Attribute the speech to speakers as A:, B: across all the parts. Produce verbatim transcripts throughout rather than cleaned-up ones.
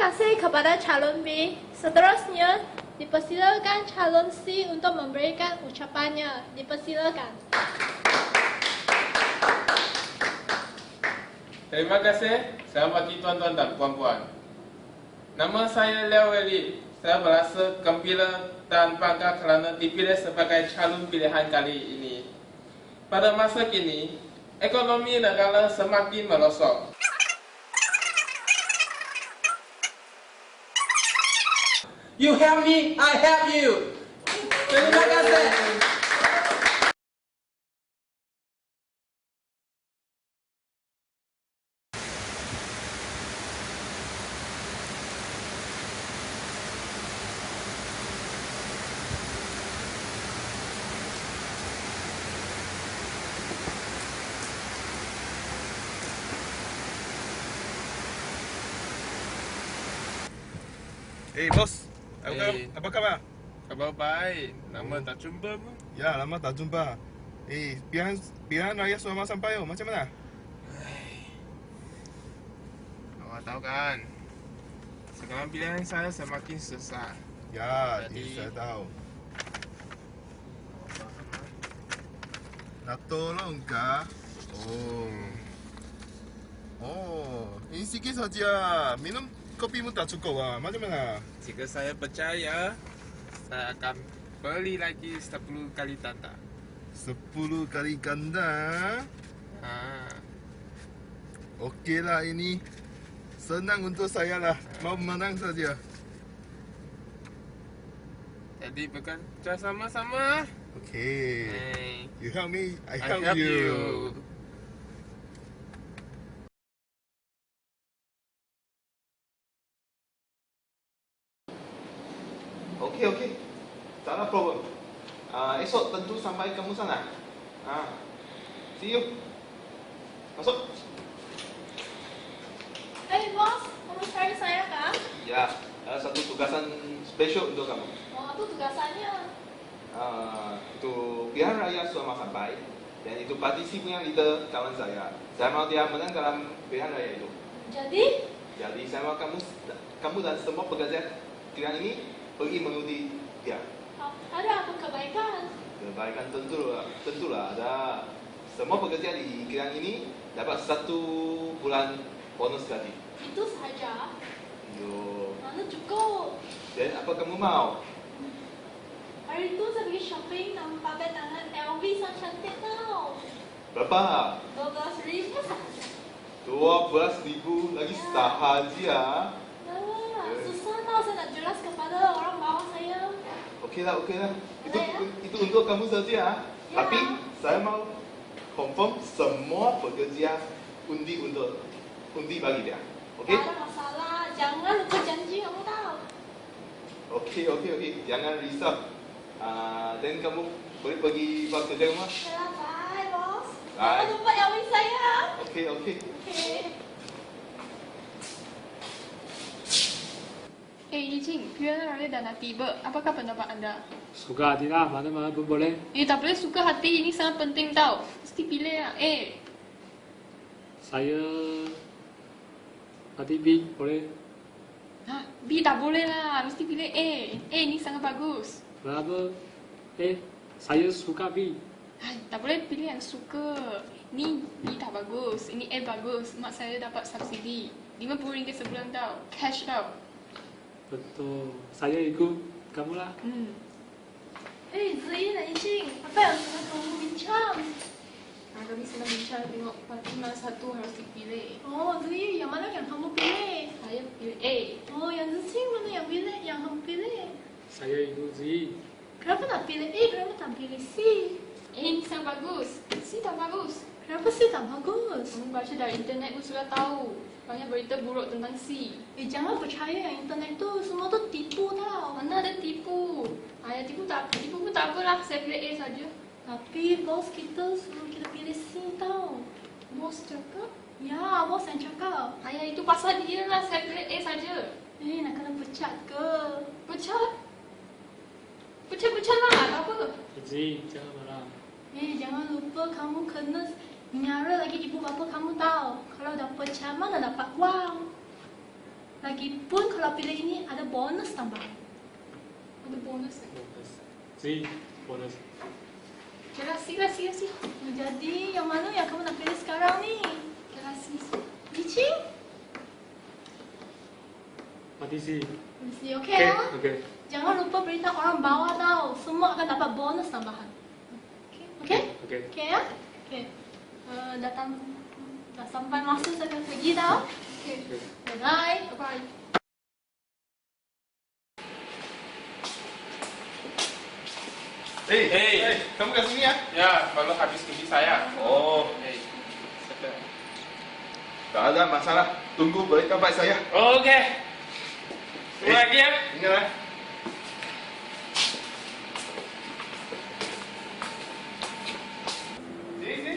A: kasih kepada calon B. Seterusnya, dipersilakan calon C untuk memberikan ucapannya. Dipersilakan.
B: Terima kasih. Selamat pagi tuan-tuan dan puan-puan. Nama saya Leo Eli. Saya merasa gembira dan bangga kerana dipilih sebagai calon pilihan kali ini. Pada masa kini, ekonomi negara semakin merosot.
C: You help me, I help you. Terima kasih.
D: Eh, bos. Apa,
B: Eh.
D: apa khabar?
B: Khabar baik. Lama tak jumpa pun.
D: Ya, lama tak jumpa. Eh, pilihan pilihan raya sudah sampai oh. Macam mana?
B: Awak tahu kan, sekarang pilihan saya semakin susah.
D: Ya,
B: Jadi-
D: ini saya tahu. Nak tolong kah? Oh. Oh, ini sikit saja. Minum kopi pun tak cukup ah. Macam mana?
B: Jika saya percaya, saya akan beli lagi sepuluh kali tanda.
D: Sepuluh kali ganda.
B: Ha.
D: Okeylah ini. Senang untuk saya lah. Mau menang saja.
B: Jadi bekerja sama-sama.
D: Okay.
B: Hey,
D: You help me, I
B: I
D: help,
B: help
D: you.
B: you.
C: Okey, okey. Tak ada problem. Uh, esok tentu sampai kamu sana. Ah. See you. Masuk.
A: Hey bos, kamu cari saya kan?
C: Ya, ada satu tugasan spesial untuk kamu.
A: Oh, apa tugasannya?
C: Uh, itu pilihan raya sudah sampai dan itu partisi punya leader kawan saya. Saya mau dia menang dalam pilihan raya itu.
A: Jadi,
C: Jadi saya mau kamu kamu dan semua pekerja pilihan ini pergi mengikuti dia.
A: ada apa kebaikan?
C: Kebaikan tentu tentulah ada semua pekerja di pilihan ini dapat satu bulan bonus gaji.
A: Itu saja.
C: Yo.
A: Mana cukup?
C: Dan apa kamu mau?
A: Hari itu saya pergi shopping dan pakai tangan L V sangat cantik tau.
C: Berapa?
A: dua belas ribu saja.
C: Dua belas ribu lagi
A: Ya.
C: sahaja.
A: Nah,
C: Eh.
A: susah tau saya nak jelas kepada orang bawah saya.
C: Okeylah, okeylah. Itu
A: Boleh, ya?
C: itu untuk kamu saja.
A: Ya.
C: Tapi saya mau confirm semua pekerja undi untuk undi bagi dia. Okey?
A: Tak ada masalah. Jangan lupa janji kamu tahu.
C: Okey, okey, okey. Jangan risau. Ah, dan kamu boleh pergi buat kerja rumah.
A: Ya, bye bos.
C: Bye.
A: Jangan lupa L V saya.
C: Okey, okey.
A: Okay.
E: Eh, Yijing, pilihan raya dah nak tiba. Apakah pendapat anda?
F: Suka hati lah, mana-mana pun boleh.
E: Eh, tak boleh suka hati. Ini sangat penting tau. Mesti pilih lah. Eh,
F: Saya hati B, boleh?
E: ha, B tak boleh lah. Mesti pilih A. A ni sangat bagus.
F: Kenapa? Eh, saya suka B.
E: Ha, tak boleh pilih yang suka. Ni B tak bagus. Ini A bagus. Mak saya dapat subsidi. lima puluh ringgit sebulan tau. Cash tau.
F: Betul. Saya ikut kamu lah.
E: Hmm.
A: Eh, Zee dan Yijing, apa yang sedang kamu bincang?
E: Ha, kami sedang bincang tengok parti mana satu harus dipilih.
A: Oh, Zee, yang mana yang kamu pilih?
E: Saya pilih A.
A: Oh, yang Zee mana yang pilih? Yang kamu pilih?
F: Saya ikut Z.
A: Kenapa tak pilih A? Kenapa tak pilih C?
E: A ni sangat bagus. C tak bagus.
A: Kenapa C tak bagus?
E: Kamu baca dari internet pun sudah tahu. Banyak berita buruk tentang C.
A: Eh, jangan percaya yang internet tu. Semua tu tipu tau.
E: Mana ada tipu? Ayah tipu tak tipu pun tak apalah. Saya pilih A saja.
A: Tapi bos kita suruh kita pilih C tau.
E: Bos cakap.
A: Ya, bos yang cakap.
E: Ayah itu pasal dia lah. Saya pilih A saja.
A: Eh, nak kena pecat ke?
E: Pecat. Pecat-pecat lah. Tak apa.
F: Z, jangan marah.
A: Eh, jangan lupa kamu kena menyara lagi ibu bapa kamu tahu. Kalau dah pecah mana dapat wang. Lagipun kalau pilih ini ada bonus tambahan.
E: Ada bonus.
F: Bonus. Si, bonus.
E: Jelas sih, jelas sih, sih.
A: Jadi yang mana yang kamu nak pilih sekarang ni?
E: Jelas sih.
A: Licin?
F: Mati si.
A: Mesti okey
F: Okay,
A: lah.
F: okay.
A: Jangan lupa beritahu orang bawah tau. Semua akan dapat bonus tambahan. Okey? Okey?
F: Okay.
A: Okey ya? Okey. Uh, datang dah sampai masa saya akan pergi tau. Okey.
F: Okay.
A: Bye.
E: Bye.
C: Eh,
B: Eh.
C: eh, kamu kat sini ya?
B: Ya, baru habis kerja saya.
C: Oh,
B: Eh, settle.
C: tak ada masalah. Tunggu berikan baik saya.
B: Okey. Tunggu
C: Eh.
B: lagi ya.
C: Ingat eh. Sini, sini.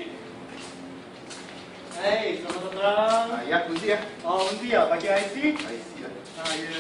G: Hei, selamat datang.
C: Ah, ya, kunci ya.
G: Oh, nanti ya, bagi I C.
C: I see lah.
G: Ah, ya.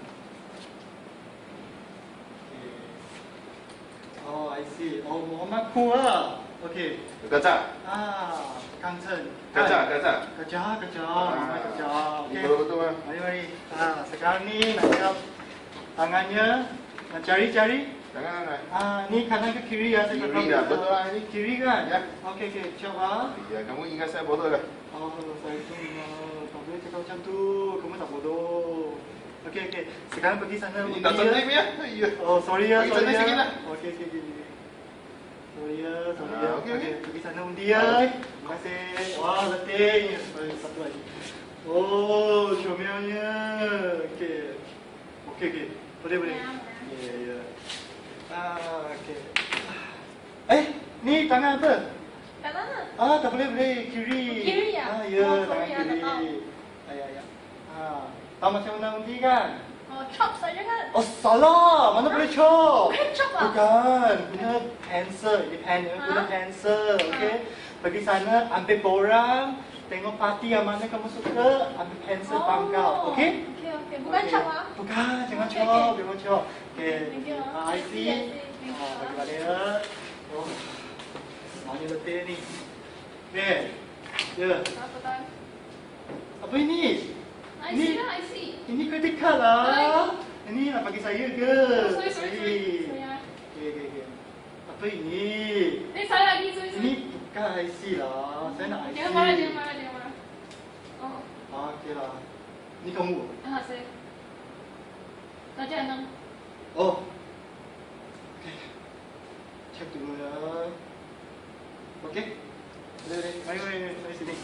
G: Okay. Oh, I see. Oh, Muhammad Ku lah. Okey.
C: Gajah.
G: Ah, Kang Chen.
C: Gajah, gajah.
G: Gajah, gajah.
C: Ah,
G: Muhammad gajah.
C: Ini
G: Okey.
C: betul-betul ah.
G: Mari, mari. Ah, sekarang ni nak siap tangannya. Nak cari-cari.
C: Jangan lah.
G: Ah, ni kanan ke kiri ya? Saya
C: Kiri
G: tak tahu.
C: dah, betul lah ini.
G: Kiri kan?
C: Ya.
G: Okey, okey. Coba.
C: Ya, kamu ingat saya bodoh lah.
G: Oh, saya tu ingat. Tak boleh cakap macam tu. Kamu tak bodoh. Okey, okey. Sekarang pergi sana.
C: Ini
G: undi
C: tak
G: ya.
C: tertib ya. Ya.
G: Oh, sorry ya,
C: Pergi
G: sorry
C: sana
G: ya.
C: sikit lah.
G: Okey, okey, okey. Sorry ya, sorry
C: Ah,
G: ya.
C: okey, okey.
G: Pergi sana undi ya. Terima kasih. Wah, letih. Sorry, satu lagi. Oh, comelnya. Okey. Okey, okey. Boleh, boleh. Ya, ya. Ah, okey. Eh, ni tangan apa?
A: Kat mana?
G: Ah, tak boleh, boleh. Kiri.
A: Kiri ya?
G: Ah, ya,
A: Oh,
G: tangan
A: sorry, ah, tak
G: kiri.
A: tahu.
G: Ah, ya, ya. Ah, tahu macam mana undi kan?
A: Oh, chop saja kan?
G: Oh, salah. Mana boleh chop?
A: Bukan chop ah?
G: Bukan. Guna pencil. Ini pen, ya. Guna
A: Ha?
G: pencil. Okey. Pergi sana, ambil borang. Tengok parti yang mana kamu suka. Ambil pencil pangkal. Okey?
A: Okey, okey. Bukan
G: Okey.
A: chop ah?
G: Bukan. Jangan
A: Okey,
G: chop.
A: okey.
G: Jangan chop. Okey.
A: Thank you.
G: Ah, I see.
A: I see. Thank you.
G: Ah, bagi balik ya. Oh. Semuanya letih ni. Okey. Ya.
E: Apa tahu?
G: Apa ini?
E: I
G: Ni-
E: see lah, I see.
G: Ini credit card lah. Ini nak bagi saya ke?
E: Oh, sorry, sorry, sorry. Sorry ah.
G: Okey, okey, okey. Apa ini?
E: Eh, salah lagi, sorry,
G: Ini
E: sorry.
G: bukan I C lah. Saya nak I C.
E: Jangan marah, jangan marah, jangan marah. Oh,
G: Ah, okey lah. Ini kamu?
E: ah, saya. Raja enam.
G: Oh. Okey. Cek dulu ya. Okey. Boleh, boleh. Mari, mari, mari, mari sini.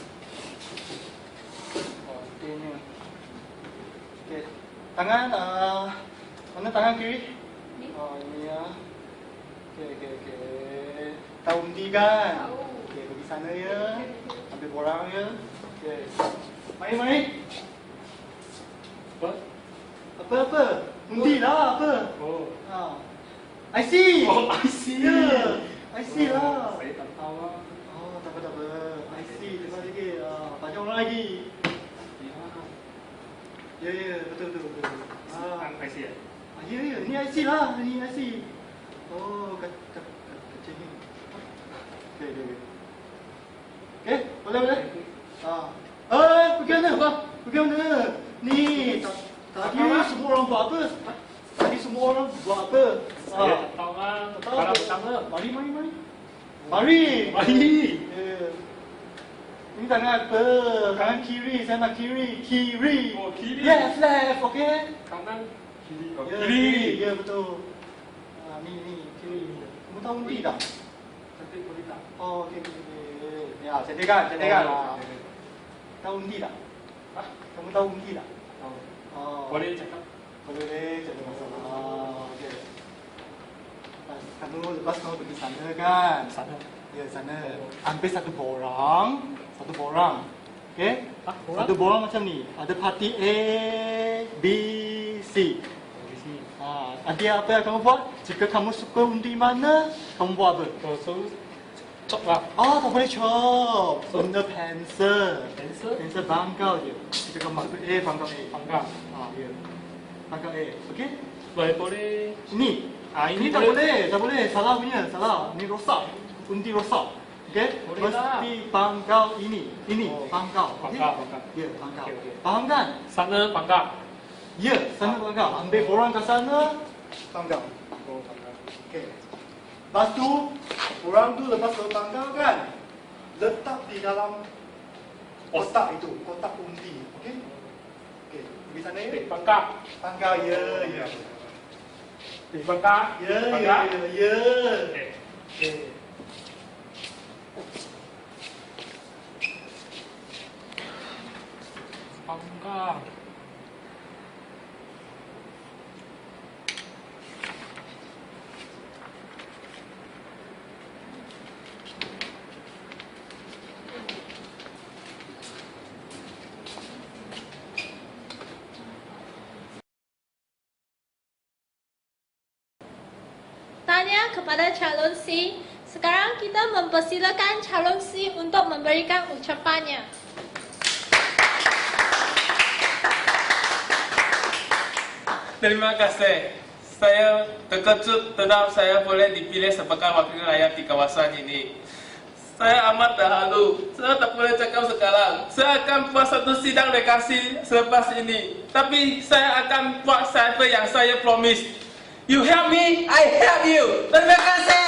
G: Oh, ini. Okey. Tangan, ah, mana tangan kiri?
E: Ni.
G: Oh, ini ya. Okey, okey, okey. Tahu undi kan?
E: Tahu.
G: Okey, pergi sana ya. Ambil borang ya. Okey. Mari, mari.
F: Apa?
G: Apa, apa? Undi lah, apa?
F: Oh.
G: Ha. I see.
F: Oh, I see.
G: Ya. I see lah.
F: Saya tak tahu lah.
G: Oh, tak apa, tak apa. I see. Terima kasih. Ah, banyak orang lagi. Ya, ya, betul, betul, betul. Ah,
F: Ang I see ya?
G: ah, ya, ya. Ni I see lah. Ni I see. Oh, kat, kat, kat, kecil ni. Okey, okey, okey. Okey, boleh, boleh. Ah. Eh, pergi mana? Pergi mana? Ni, ta- tadi semua orang buat apa? Tadi semua orang buat apa?
F: Saya tak tahu lah.
G: Tak tahu
F: Barang
G: apa?
F: pertama.
G: Mari, mari, mari. Mari.
F: Mari.
G: Ya. Ini tangan apa? Tangan kiri, saya nak kiri. Kiri.
F: Oh, kiri.
G: Left, left, okey?
F: Kanan. Kiri. Oh,
G: Ya,
F: kiri.
G: Ya, betul. Ah, ni, ni, kiri. Kamu tahu undi tak?
F: Cantik boleh tak?
G: Oh, okey, okey, okey. Ya, cantikkan, cantikkan.
F: Oh,
G: Ah. Tahu undi tak?
F: Hah?
G: Kamu tahu undi tak?
F: Tahu.
G: Oh.
F: Boleh cakap?
G: Boleh deh, jadi masalah. Ah, okey. Lepas kamu lepas kamu pergi sana kan?
F: Sana.
G: Ya, sana. Ambil satu borang, satu borang. Okey?
F: Ah, borang?
G: Satu borang macam ni. Ada parti A, B, C.
F: Di sini.
G: Ha, nanti apa yang kamu buat? Jika kamu suka undi mana, kamu buat apa?
F: Oh, so chop lah.
G: Oh, tak boleh chop. Guna pencil.
F: Pencil?
G: Pencil bangkau je. Jika kamu masuk A, bangkau A.
F: Panggang.
G: Ha, ya. Bangkau A. Okey?
F: Boleh, boleh.
G: Ini.
F: Ah, ini
G: Ini tak
F: boleh.
G: boleh. Tak boleh. Salah punya. Salah. Ini rosak. Undi rosak. Okey?
F: Boleh
G: Mesti bangkau ini. Ini.
F: Oh.
G: Bangkau. Okey?
F: Bangkau, bangkau.
G: Ya, bangkau.
F: Okey, okey.
G: Faham kan?
F: Sana panggang.
G: Ya, sana panggang. Ambil borang ke sana, panggang. Oh, panggang. Okey. Lepas tu, borang tu lepas kau panggang kan, letak di dalam kotak itu, kotak undi. Okey? Okey, pergi sana ya.
F: Di Bangkok.
G: Panggang, ya, ya.
F: Di Bangkok.
G: Ya, ya,
F: Bangkok.
G: ya, ya.
F: Okey.
G: Okey.
F: Bangkok.
A: Tanya kepada calon C. Sekarang kita mempersilakan calon C untuk memberikan ucapannya.
B: Terima kasih. Saya terkejut terhadap saya boleh dipilih sebagai wakil rakyat di kawasan ini. Saya amat terharu. Saya tak boleh cakap sekarang. Saya akan buat satu sidang rekasi selepas ini. Tapi saya akan buat apa yang saya promise. You help me, I help you. Terima kasih.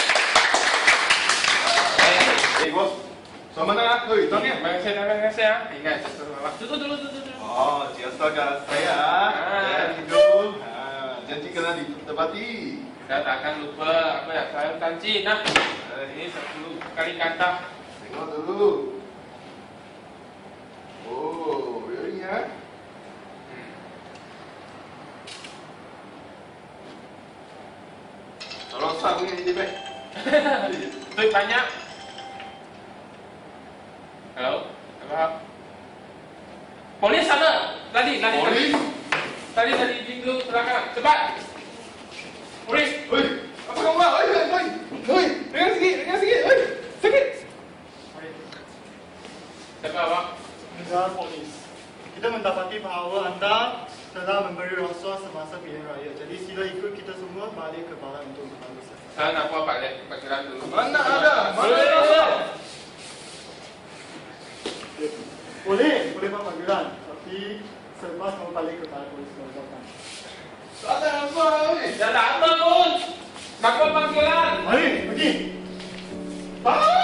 C: Eh, bos. Sama nak? Hei,
B: Terima
C: tanya.
B: kasih, terima kasih ya. Ingat, duduk dulu, duduk dulu.
C: Oh, ciastaga saya.
B: Ah.
C: Ya, hidup. Ah, janji kena ditepati.
B: Saya tak akan lupa apa yang saya janji. Nah, ini sepuluh kali kata.
C: Tengok dulu. Oh, really ya? Tolong sah punya ini, Pak.
B: Duit banyak. Halo, apa? Polis sana. Lari, lari.
C: Polis?
B: Tadi dari pintu belakang. Cepat. Polis.
C: Hei, apa kamu buat? Hei, hei, hei. Hei, dengar sikit, dengar sikit. Hei, sakit.
B: Cakap apa?
G: Negara polis. Kita mendapati bahawa anda telah memberi rasuah semasa pilihan raya. Jadi sila ikut kita semua balik ke balai untuk membantu saya.
B: Saya nak buat balik panggilan dulu.
C: Mana ada? Mana
B: Boleh,
C: ada?
B: boleh.
G: Boleh, boleh buat panggilan. Tapi selepas kamu balik ke balai polis Kelantan.
C: Tak ada apa, hei.
B: Dah tak apa pun. Nak buat panggilan.
G: Mari, pergi.
C: Ah!